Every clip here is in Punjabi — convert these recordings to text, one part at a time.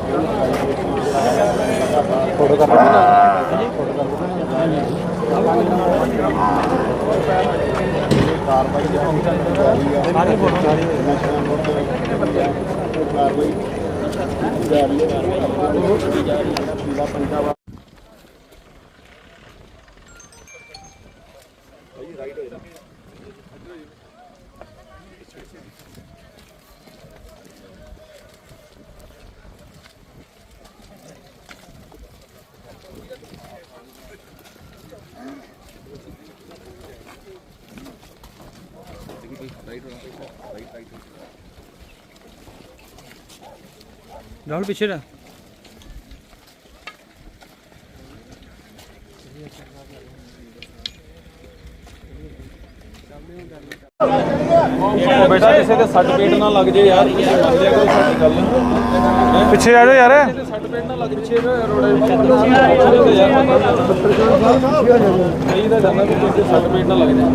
राहुल पीछे रहा। बेटा किसी के सट पेट ना लग जाए यार, मान लिया करो साडी गल। पिछे आ जाओ यार, सट पेट ना लग पिछे रोड सही दा जाना कि किसी सट पेट ना लग जाए।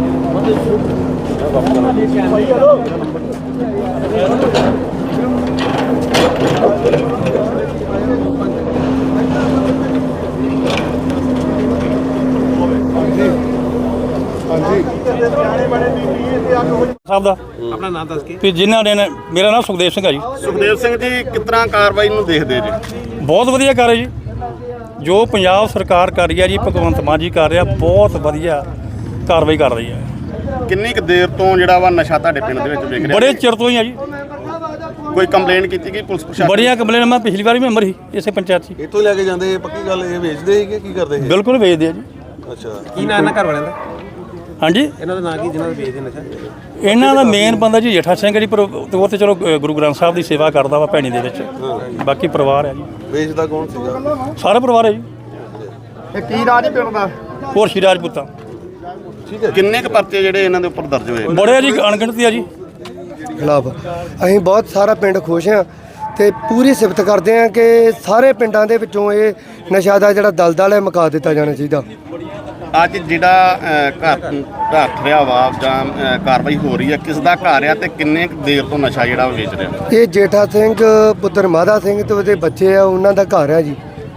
ਸਾਹਿਬ ਦਾ ਆਪਣਾ ਨਾਮ ਦੱਸ ਕੇ ਵੀ ਜਿਨ੍ਹਾਂ ਨੇ ਮੇਰਾ ਨਾਮ ਸੁਖਦੇਵ ਸਿੰਘ ਹੈ ਜੀ। ਸੁਖਦੇਵ ਸਿੰਘ ਜੀ, ਕਿਸ ਤਰ੍ਹਾਂ ਕਾਰਵਾਈ ਨੂੰ ਦੇਖਦੇ ਜੀ? ਬਹੁਤ ਵਧੀਆ ਕਰ ਰਹੀ ਜੀ, ਜੋ ਪੰਜਾਬ ਸਰਕਾਰ ਕਰ ਰਹੀ ਹੈ ਜੀ, ਭਗਵੰਤ ਮਾਨ ਜੀ ਕਰ ਰਿਹਾ, ਬਹੁਤ ਵਧੀਆ ਕਾਰਵਾਈ ਕਰ ਰਹੀ ਹੈ। ਕਿੰਨੀ ਕੁ ਦੇਰ ਤੋਂ ਜਿਹੜਾ ਵਾ ਨਸ਼ਾ ਤੁਹਾਡੇ ਪਿੰਡ ਦੇ ਵਿੱਚ ਵਿਕ ਰਿਹਾ? ਬੜੇ ਚਿਰ ਤੋਂ ਹੀ ਆ ਜੀ, ਕੋਈ ਕੰਪਲੇਂਟ ਕੀਤੀ ਗਈ ਪੁਲਿਸ ਪ੍ਰਸ਼ਾਸਨ? ਬੜੀਆਂ ਕੰਪਲੇਨ, ਮੈਂ ਪਿਛਲੀ ਵਾਰ ਵੀ ਮੈਂਬਰ ਸੀ ਇਸੇ ਪੰਚਾਇਤ 'ਚ। ਇੱਥੋਂ ਲੈ ਕੇ ਜਾਂਦੇ, ਪੱਕੀ ਗੱਲ ਇਹ ਵੇਚਦੇ ਸੀ ਕਿ ਕੀ ਕਰਦੇ ਸੀ? ਬਿਲਕੁਲ ਵੇਚਦੇ ਆ ਜੀ। ਅੱਛਾ, ਕੀ ਨਾਂ ਇਹਨਾਂ ਘਰ ਵਾਲਿਆਂ ਦਾ? ਹਾਂਜੀ, ਇਹਨਾਂ ਦਾ ਨਾਂ ਕੀ ਜਿਹਨਾਂ ਦਾ ਵੇਚਦੇ ਨਸ਼ਾ? ਇਹਨਾਂ ਦਾ ਮੇਨ ਬੰਦਾ ਜੀ ਜੇਠਾ ਸਿੰਘ ਜੀ, ਪਰ ਉਹ ਤੇ ਚਲੋ ਗੁਰੂ ਗ੍ਰੰਥ ਸਾਹਿਬ ਦੀ ਸੇਵਾ ਕਰਦਾ ਵਾ ਭੈਣੀ ਦੇ ਵਿੱਚ। ਬਾਕੀ ਪਰਿਵਾਰ ਹੈ ਜੀ, ਵੇਚਦਾ ਕੌਣ ਸੀਗਾ? ਸਾਰਾ ਪਰਿਵਾਰ ਹੈ ਜੀ। ਇਹ ਕੀ ਰਾਜ ਹੀ ਪਿੰਡ ਦਾ? ਹੋਰ ਸ਼੍ਰੀ ਰਾਜਪੂਤਾਂ ਠੀਕ ਹੈ। ਕਿੰਨੇ ਕੁ ਪਰਚੇ ਜਿਹੜੇ ਇਹਨਾਂ ਦੇ ਉੱਪਰ ਦਰਜ ਹੋਏ? ਬੜੇ ਆ ਜੀ, ਅਣਗਿਣਤੀ ਆ ਜੀ। ਖਿਲਾਫ ਅਸੀਂ ਬਹੁਤ ਸਾਰਾ ਪਿੰਡ ਖੁਸ਼ ਹਾਂ ਤੇ ਪੂਰੀ ਸਿਫਤ ਕਰਦੇ ਹਾਂ ਕਿ ਸਾਰੇ ਪਿੰਡਾਂ ਦੇ ਵਿੱਚੋਂ ਇਹ ਨਸ਼ਾ ਦਾ ਜਿਹੜਾ ਦਲਦਲ ਹੈ ਮੁਕਾ ਦਿੱਤਾ ਜਾਣਾ ਚਾਹੀਦਾ। ਅੱਜ ਜਿਹੜਾ ਘਰ ਢੱਠ ਰਿਹਾ ਵਾ ਜਾਂ ਕਾਰਵਾਈ ਹੋ ਰਹੀ ਹੈ, ਕਿਸ ਦਾ ਘਰ ਆ ਤੇ ਕਿੰਨੇ ਕੁ ਦੇਰ ਤੋਂ ਨਸ਼ਾ ਜਿਹੜਾ ਉਹ ਵੇਚ ਰਿਹਾ? ਇਹ ਜੇਠਾ ਸਿੰਘ ਪੁੱਤਰ ਮਾਧਾ ਸਿੰਘ ਤੇ ਉਹਦੇ ਬੱਚੇ ਆ, ਉਹਨਾਂ ਦਾ ਘਰ ਆ ਜੀ,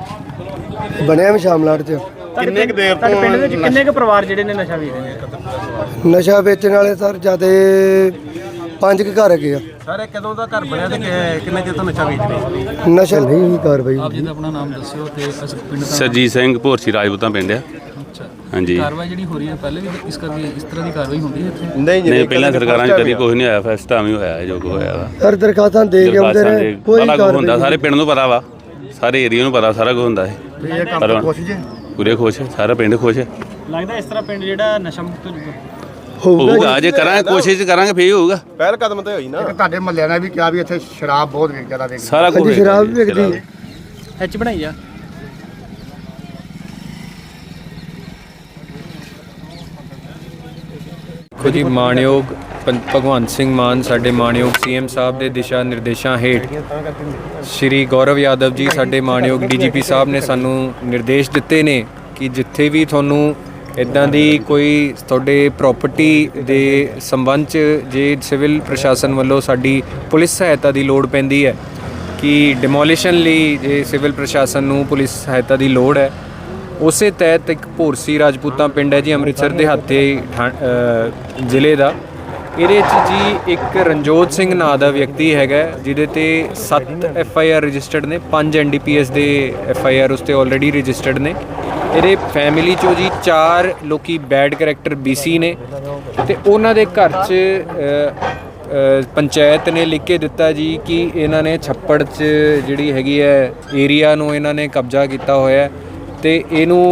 ਬਣਿਆ ਸ਼ਾਮਲਾਟ 'ਚ। ਕਿੰਨੇ ਕੁ ਦੇਰ ਤੋਂ ਪਿੰਡ ਵਿੱਚ ਕਿੰਨੇ ਕੁ ਪਰਿਵਾਰ ਜਿਹੜੇ ਨੇ ਨਸ਼ਾ ਵੇਚਦੇ ਨੇ? ਨਸ਼ਾ ਵੇਚਣ ਵਾਲੇ ਸਰ ਜਿਆਦੇ 5 ਕੁ ਘਰ ਹੈਗੇ ਆ। ਸਾਰੇ ਕਦੋਂ ਦਾ ਘਰ ਬਣਿਆ ਤੇ ਕਿੰਨੇ ਚਿਰ ਤੋਂ ਨਸ਼ਾ ਵੇਚਦੇ? ਨਸ਼ਾ ਨਹੀਂ ਕਾਰਵਾਈ ਆਪ ਜੀ ਦਾ ਆਪਣਾ ਨਾਮ ਦੱਸਿਓ ਤੇ ਅਸੀਂ ਪਿੰਡ ਦਾ ਸਰਜੀਤ ਸਿੰਘ ਭੋਰਸੀ ਰਾਜਪੂਤਾਂ ਪਿੰਡ ਆ। ਅੱਛਾ, ਹਾਂਜੀ, ਕਾਰਵਾਈ ਜਿਹੜੀ ਹੋ ਰਹੀ ਹੈ ਪਹਿਲੇ ਵੀ ਇਸ ਕਰਕੇ ਇਸ ਤਰ੍ਹਾਂ ਦੀ ਕਾਰਵਾਈ ਹੁੰਦੀ ਹੈ ਇੱਥੇ? ਨਹੀਂ ਪਹਿਲਾਂ ਸਰਕਾਰਾਂ 'ਚ ਕਦੀ ਕੁਝ ਨਹੀਂ ਹੋਇਆ, ਫਸਟ ਟਾਈਮ ਹੀ ਹੋਇਆ ਜੋ ਕੁਝ ਹੋਇਆ ਵਾ। ਸਰ ਦਰਖਾਸਤਾਂ ਦੇ ਕੇ ਆਉਂਦੇ ਨੇ, ਕੋਈ ਬੜਾ ਕੁਝ ਹੁੰਦਾ, ਕਾਰਵਾਈ ਸਾਰੇ ਪਿੰਡ ਨੂੰ ਪਤਾ ਵਾ, ਸਾਰੇ ਏਰੀਆ ਨੂੰ ਪਤਾ, ਸਾਰਾ ਕੁਝ ਹੁੰਦਾ ਹੈ। ਪਰ ਪੂਰੇ ਖੁਸ਼, ਸਾਰਾ ਪਿੰਡ ਖੁਸ਼ ਲੱਗਦਾ ਇਸ ਤਰ੍ਹਾਂ ਪਿੰਡ ਜਿਹੜਾ ਨਸ਼ਾ ਮੁਕਤ ਹੋਊਗਾ ਹੋਊਗਾ। ਜੇ ਕਰਾਂਗੇ, ਕੋਸ਼ਿਸ਼ ਕਰਾਂਗੇ, ਫੇਰ ਹੋਊਗਾ। ਪਹਿਲ ਕਦਮ ਤੇ ਹੋਈ ਨਾ। ਤੁਹਾਡੇ ਮਹੱਲਿਆਂ ਨੇ ਵੀ ਕਿਹਾ ਵੀ ਇੱਥੇ ਸ਼ਰਾਬ ਬਹੁਤ ਜ਼ਿਆਦਾ ਵੇਚਦੇ। ਸਾਰਾ ਕੁਝ ਹਾਂਜੀ, ਸ਼ਰਾਬ ਵੀ ਵਿਕਦੀ। ਐਚ ਬਣਾਈ ਆ। ਦੇਖੋ ਜੀ, ਮਾਣਯੋਗ ਭਗਵੰਤ ਸਿੰਘ ਮਾਨ ਸਾਡੇ ਮਾਣਯੋਗ ਸੀਐਮ ਸਾਹਿਬ ਦੇ ਦਿਸ਼ਾ ਨਿਰਦੇਸ਼ਾਂ ਹੇਠ ਸ਼੍ਰੀ ਗੌਰਵ ਯਾਦਵ ਜੀ ਸਾਡੇ ਮਾਣਯੋਗ ਡੀਜੀਪੀ ਸਾਹਿਬ ਨੇ ਸਾਨੂੰ ਨਿਰਦੇਸ਼ ਦਿੱਤੇ ਨੇ ਕਿ ਜਿੱਥੇ ਵੀ ਤੁਹਾਨੂੰ ਇੱਦਾਂ ਦੀ ਕੋਈ ਤੁਹਾਡੇ ਪ੍ਰਾਪਰਟੀ ਦੇ ਸੰਬੰਧ 'ਚ ਜੇ ਸਿਵਲ ਪ੍ਰਸ਼ਾਸਨ ਵੱਲੋਂ ਸਾਡੀ ਪੁਲਿਸ ਸਹਾਇਤਾ ਦੀ ਲੋੜ ਪੈਂਦੀ ਹੈ ਕਿ ਡਿਮੋਲੀਸ਼ਨ ਲਈ ਜੇ ਸਿਵਲ ਪ੍ਰਸ਼ਾਸਨ ਨੂੰ ਪੁਲਿਸ ਸਹਾਇਤਾ ਦੀ ਲੋੜ ਹੈ, ਉਸੇ ਤਹਿਤ ਇੱਕ ਭੋਰਸੀ ਰਾਜਪੂਤਾਂ ਪਿੰਡ ਹੈ ਜੀ, ਅੰਮ੍ਰਿਤਸਰ ਦੇ ਜ਼ਿਲ੍ਹੇ ਦਾ। ਇਹਦੇ 'ਚ ਜੀ ਇੱਕ ਰਣਜੋਤ ਸਿੰਘ ਨਾਂ ਦਾ ਵਿਅਕਤੀ ਹੈਗਾ ਜਿਹਦੇ ਤੇ 7 FIR ਰਜਿਸਟਰਡ ਨੇ, 5 NDPS ਦੇ FIR ਉਸ 'ਤੇ ਆਲਰੇਡੀ ਰਜਿਸਟਰਡ ਨੇ। ਇਹਦੇ ਫੈਮਿਲੀ 'ਚੋਂ ਜੀ 4 ਲੋਕੀ ਬੈਡ ਕਰੈਕਟਰ BC ਨੇ ਤੇ ਉਹਨਾਂ ਦੇ ਘਰ 'ਚ ਪੰਚਾਇਤ ਨੇ ਲਿਖ ਕੇ ਦਿੱਤਾ ਜੀ ਕਿ ਇਹਨਾਂ ਨੇ ਛੱਪੜ 'ਚ ਜਿਹੜੀ ਹੈਗੀ ਹੈ ਏਰੀਆ ਨੂੰ ਇਹਨਾਂ ਨੇ ਕਬਜ਼ਾ ਕੀਤਾ ਹੋਇਆ ਤੇ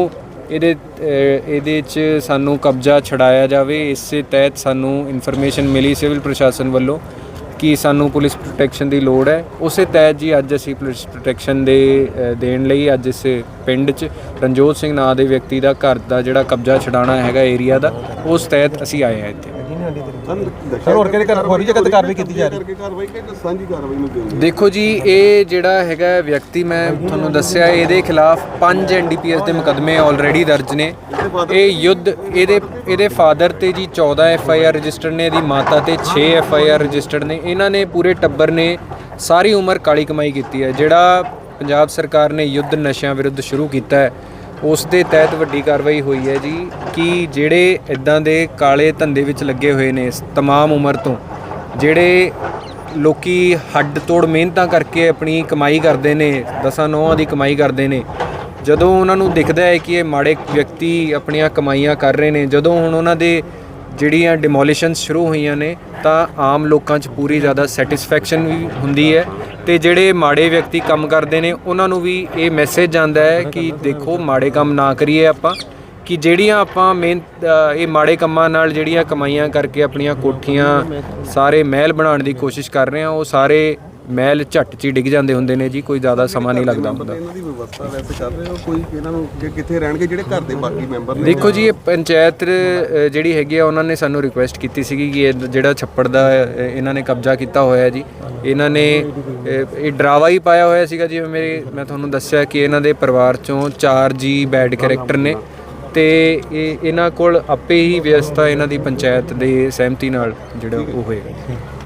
ਇਹਦੇ 'ਚ ਸਾਨੂੰ ਕਬਜ਼ਾ ਛਡਾਇਆ ਜਾਵੇ। ਇਸੇ ਤਹਿਤ ਸਾਨੂੰ ਇਨਫੋਰਮੇਸ਼ਨ ਮਿਲੀ ਸਿਵਲ ਪ੍ਰਸ਼ਾਸਨ ਵੱਲੋਂ ਕਿ ਸਾਨੂੰ ਪੁਲਿਸ ਪ੍ਰੋਟੈਕਸ਼ਨ ਦੀ ਲੋੜ ਹੈ। ਉਸੇ ਤਹਿਤ ਜੀ ਅੱਜ ਅਸੀਂ ਪੁਲਿਸ ਪ੍ਰੋਟੈਕਸ਼ਨ ਦੇਣ ਲਈ ਅੱਜ ਇਸ ਪਿੰਡ 'ਚ ਰਣਜੋਤ ਸਿੰਘ ਨਾਂ ਦੇ ਵਿਅਕਤੀ ਦਾ ਘਰ ਦਾ ਜਿਹੜਾ ਕਬਜ਼ਾ ਛਡਾਉਣਾ ਹੈਗਾ ਏਰੀਆ ਦਾ, ਉਸ ਤਹਿਤ ਅਸੀਂ ਆਏ ਹਾਂ ਇੱਥੇ। ਸਰ ਹੋਰ ਕਿਹਦੇ ਘਰ ਹੋਰੀ ਜਗ੍ਹਾ ਤੇ ਕਾਰਵਾਈ ਕੀਤੀ ਜਾ ਰਹੀ ਹੈ? ਕਾਰਵਾਈ ਕਿ ਸਾਂਝੀ ਕਾਰਵਾਈ ਨੂੰ ਦਿੰਦੇ? ਦੇਖੋ ਜੀ, ਇਹ ਜਿਹੜਾ ਹੈਗਾ ਵਿਅਕਤੀ ਮੈਂ ਤੁਹਾਨੂੰ ਦੱਸਿਆ, ਇਹਦੇ ਖਿਲਾਫ 5 NDPS ਦੇ ਮੁਕੱਦਮੇ ਆਲਰੇਡੀ ਦਰਜ ਨੇ। ਇਹ ਯੁੱਧ ਇਹਦੇ ਫਾਦਰ ਤੇ ਜੀ 14 FIR ਰਜਿਸਟਰਡ ਨੇ, ਇਹਦੀ ਮਾਤਾ ਤੇ 6 FIR ਰਜਿਸਟਰਡ ਨੇ। ਇਹਨਾਂ ਨੇ ਪੂਰੇ ਟੱਬਰ ਨੇ ਸਾਰੀ ਉਮਰ ਕਾਲੀ ਕਮਾਈ ਕੀਤੀ ਹੈ। ਜਿਹੜਾ ਪੰਜਾਬ ਸਰਕਾਰ ਨੇ ਯੁੱਧ ਨਸ਼ਿਆਂ ਵਿਰੁੱਧ ਸ਼ੁਰੂ ਕੀਤਾ ਹੈ, ਉਸ ਦੇ ਤਹਿਤ ਵੱਡੀ ਕਾਰਵਾਈ ਹੋਈ ਹੈ ਜੀ ਕਿ ਜਿਹੜੇ ਇਦਾਂ ਦੇ ਕਾਲੇ ਧੰਦੇ ਵਿੱਚ ਲੱਗੇ ਹੋਏ ਨੇ ਤਮਾਮ ਉਮਰ ਤੋਂ, ਜਿਹੜੇ ਲੋਕੀ ਹੱਡ ਤੋੜ ਮਿਹਨਤਾਂ ਕਰਕੇ ਆਪਣੀ ਕਮਾਈ ਕਰਦੇ ਨੇ, 10 ਦੀ ਕਮਾਈ ਕਰਦੇ ਨੇ, ਜਦੋਂ ਉਹਨਾਂ ਨੂੰ ਦਿਖਦਾ ਹੈ ਕਿ ਇਹ ਮਾੜੇ ਵਿਅਕਤੀ ਆਪਣੀਆਂ ਕਮਾਈਆਂ ਕਰ ਰਹੇ ਨੇ, ਜਦੋਂ ਹੁਣ ਉਹਨਾਂ ਦੇ ਜਿਹੜੀਆਂ ਡਿਮੋਲੀਸ਼ਨਸ ਸ਼ੁਰੂ ਹੋਈਆਂ ਨੇ ਤਾਂ ਆਮ ਲੋਕਾਂ 'ਚ ਪੂਰੀ ਜ਼ਿਆਦਾ ਸੈਟੀਸਫੈਕਸ਼ਨ ਵੀ ਹੁੰਦੀ ਹੈ ਤੇ ਜਿਹੜੇ ਮਾੜੇ ਵਿਅਕਤੀ ਕੰਮ ਕਰਦੇ ਨੇ ਉਹਨਾਂ ਨੂੰ ਵੀ ਇਹ ਮੈਸੇਜ ਜਾਂਦਾ ਹੈ ਕਿ ਦੇਖੋ ਮਾੜੇ ਕੰਮ ਨਾ ਕਰੀਏ ਆਪਾਂ, ਕਿ ਜਿਹੜੀਆਂ ਆਪਾਂ ਇਹ ਮਾੜੇ ਕੰਮਾਂ ਨਾਲ ਜਿਹੜੀਆਂ ਕਮਾਈਆਂ ਕਰਕੇ ਆਪਣੀਆਂ ਕੋਠੀਆਂ ਸਾਰੇ ਮਹਿਲ ਬਣਾਉਣ ਦੀ ਕੋਸ਼ਿਸ਼ ਕਰ ਰਹੇ ਆ, ਉਹ ਸਾਰੇ ਮਹਿਲ ਝੱਟ 'ਚ ਹੀ ਡਿੱਗ ਜਾਂਦੇ ਹੁੰਦੇ ਨੇ ਜੀ, ਕੋਈ ਜ਼ਿਆਦਾ ਸਮਾਂ ਨਹੀਂ ਲੱਗਦਾ ਹੁੰਦਾ। ਇਹਨਾਂ ਦੀ ਵਿਵਸਥਾ ਵੈਸੇ ਕਰ ਰਹੇ ਹੋ ਕੋਈ, ਇਹਨਾਂ ਨੂੰ ਕਿੱਥੇ ਰਹਿਣਗੇ ਜਿਹੜੇ ਘਰ ਦੇ ਬਾਕੀ ਮੈਂਬਰ ਨੇ? ਦੇਖੋ ਜੀ, ਇਹ ਪੰਚਾਇਤ ਜਿਹੜੀ ਹੈਗੀ ਆ ਉਹਨਾਂ ਨੇ ਸਾਨੂੰ ਰਿਕੁਐਸਟ ਕੀਤੀ ਸੀਗੀ ਕਿ ਇਹ ਜਿਹੜਾ ਛੱਪੜ ਦਾ ਇਹਨਾਂ ਨੇ ਕਬਜ਼ਾ ਕੀਤਾ ਹੋਇਆ ਜੀ, ਇਹਨਾਂ ਨੇ ਇਹ ਡਰਾਵਾ ਹੀ ਪਾਇਆ ਹੋਇਆ ਸੀਗਾ। ਜਿਵੇਂ ਮੈਂ ਤੁਹਾਨੂੰ ਦੱਸਿਆ ਕਿ ਇਹਨਾਂ ਦੇ ਪਰਿਵਾਰ 'ਚੋਂ 4 ਜੀ ਬੈਡ ਕੈਰੈਕਟਰ ਨੇ ਤੇ ਇਹਨਾਂ ਕੋਲ ਆਪੇ ਹੀ ਵਿਵਸਥਾ ਇਹਨਾਂ ਦੀ ਪੰਚਾਇਤ ਦੇ ਸਹਿਮਤੀ ਨਾਲ ਜਿਹੜਾ ਉਹ ਹੋਏਗਾ।